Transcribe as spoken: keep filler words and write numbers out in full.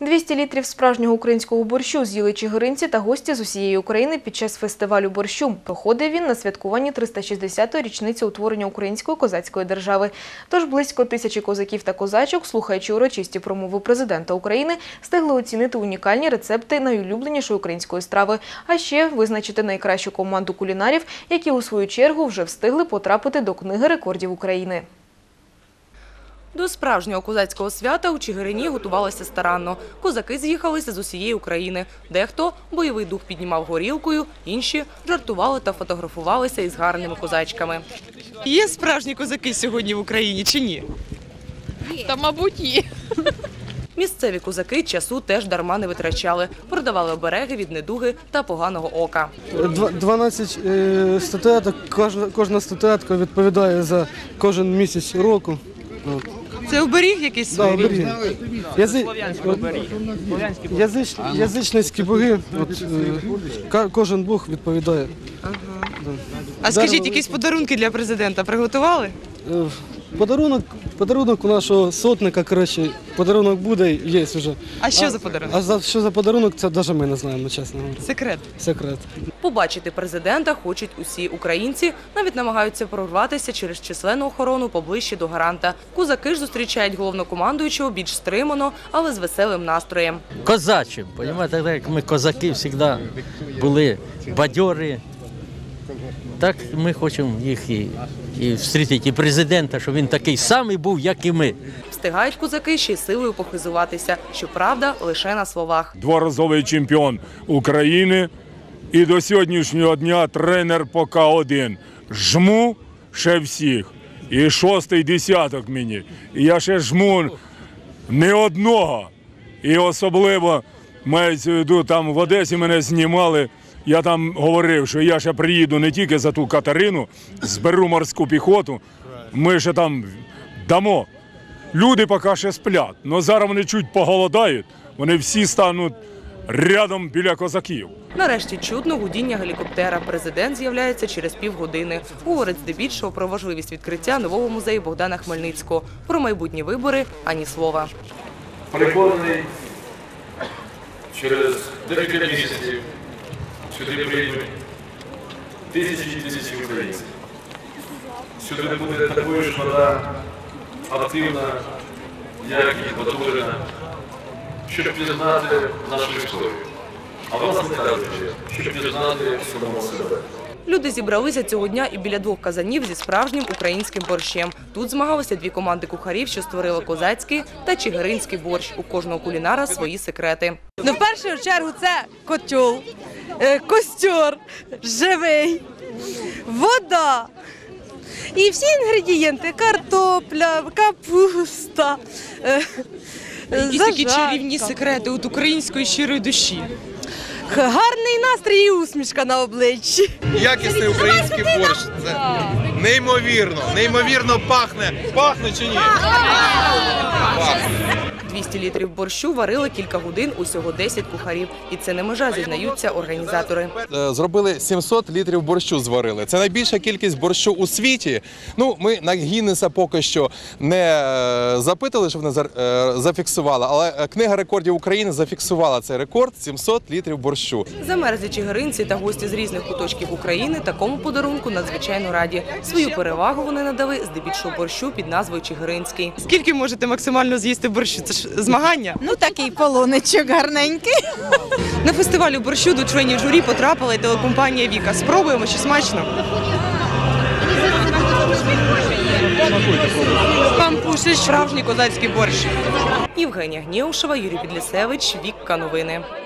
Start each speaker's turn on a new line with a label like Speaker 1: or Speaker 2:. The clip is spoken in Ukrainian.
Speaker 1: двісті літрів справжнього українського борщу з'їли чигиринці та гості з усієї України під час фестивалю борщу. Проходив він на святкуванні триста шістдесятої річниці утворення української козацької держави. Тож близько тисячі козаків та козачок, слухаючи урочисті промови президента України, встигли оцінити унікальні рецепти найулюбленішої української страви, а ще визначити найкращу команду кулінарів, які у свою чергу вже встигли потрапити до книги рекордів України.
Speaker 2: До справжнього козацького свята у Чигирині готувалися старанно. Козаки з'їхалися з усієї України. Дехто бойовий дух піднімав горілкою, інші жартували та фотографувалися із гарними козачками.
Speaker 3: Є справжні козаки сьогодні в Україні чи ні?
Speaker 4: Та, мабуть, є.
Speaker 2: Місцеві козаки часу теж дарма не витрачали. Продавали обереги від недуги та поганого ока.
Speaker 5: дванадцять статуеток, кожна, кожна статуетка відповідає за кожен місяць року.
Speaker 3: Це оберіг якийсь
Speaker 5: Да,
Speaker 3: свій?
Speaker 5: оберіг. Язи... Язич... Язичницькі боги, от, е, кожен бог відповідає.
Speaker 3: Ага. А скажіть, якісь подарунки для президента приготували?
Speaker 5: Е, Подарунок, подарунок у нашого сотника, коротше, подарунок буде, є вже.
Speaker 3: А що за подарунок?
Speaker 5: А за, що за подарунок, це навіть ми не знаємо, чесно говоря.
Speaker 3: Секрет.
Speaker 5: Секрет.
Speaker 2: Побачити президента хочуть усі українці, навіть намагаються прорватися через численну охорону поближче до гаранта. Козаки ж зустрічають головнокомандуючого більш стримано, але з веселим настроєм.
Speaker 6: Козачим, розумієте, так як ми козаки завжди були бадьорі, так ми хочемо їх і, і зустріти, і президента, щоб він такий самий був, як і ми.
Speaker 2: Встигають козаки ще й силою похизуватися, щоправда, лише на словах.
Speaker 7: Дворазовий чемпіон України і до сьогоднішнього дня тренер поки один. Жму ще всіх. І шостий десяток мені. І я ще жму не одного. І особливо, мається в виду, там в Одесі мене знімали. Я там говорив, що я ще приїду не тільки за ту Катерину, зберу морську піхоту, ми ще там дамо. Люди поки ще сплять, але зараз вони чуть поголодають, вони всі стануть рядом біля козаків.
Speaker 2: Нарешті чутно гудіння гелікоптера. Президент з'являється через півгодини. Говорить здебільшого про важливість відкриття нового музею Богдана Хмельницького. Про майбутні вибори – ані слова.
Speaker 8: Переконаний, через декілька місяців сюди прийдуть тисячі і тисячі українців. Сюди буде такою ж вода активна, як і потужна, щоб пізнати нашу історію. А власне кажучи, щоб пізнати самого себе.
Speaker 2: Люди зібралися цього дня і біля двох казанів зі справжнім українським борщем. Тут змагалися дві команди кухарів, що створили козацький та чигиринський борщ. У кожного кулінара свої секрети.
Speaker 3: Ну, в першу чергу це котел, костер живий, вода і всі інгредієнти – картопля, капуста,
Speaker 4: Якісь такі чарівні секрети від української щирої душі.
Speaker 3: гарний настрій і усмішка на обличчі.
Speaker 9: Якісний український борщ. Це неймовірно, неймовірно пахне. Пахне чи ні? Пахне.
Speaker 2: двісті літрів борщу варили кілька годин, усього десять кухарів. І це не межа, зізнаються організатори.
Speaker 9: Зробили сімсот літрів борщу, зварили. Це найбільша кількість борщу у світі. Ну, ми на Гіннеса поки що не запитали, щоб вони зафіксували, але Книга рекордів України зафіксувала цей рекорд – сімсот літрів борщу.
Speaker 2: Замерзлі чигиринці та гості з різних куточків України такому подарунку надзвичайно раді. Свою перевагу вони надали здебільшого борщу під назвою Чигиринський.
Speaker 3: Скільки можете максимально з'їсти борщу? Це ж змагання?
Speaker 4: Ну, такий полоничок гарненький.
Speaker 3: На фестивалі борщу до членів журі потрапила і телекомпанія «Віка». Спробуємо, чи смачно? Пампушиш справжній козацький борщ.
Speaker 2: Євгенія Гнєушева, Юрій Підлісевич, Вікка Новини.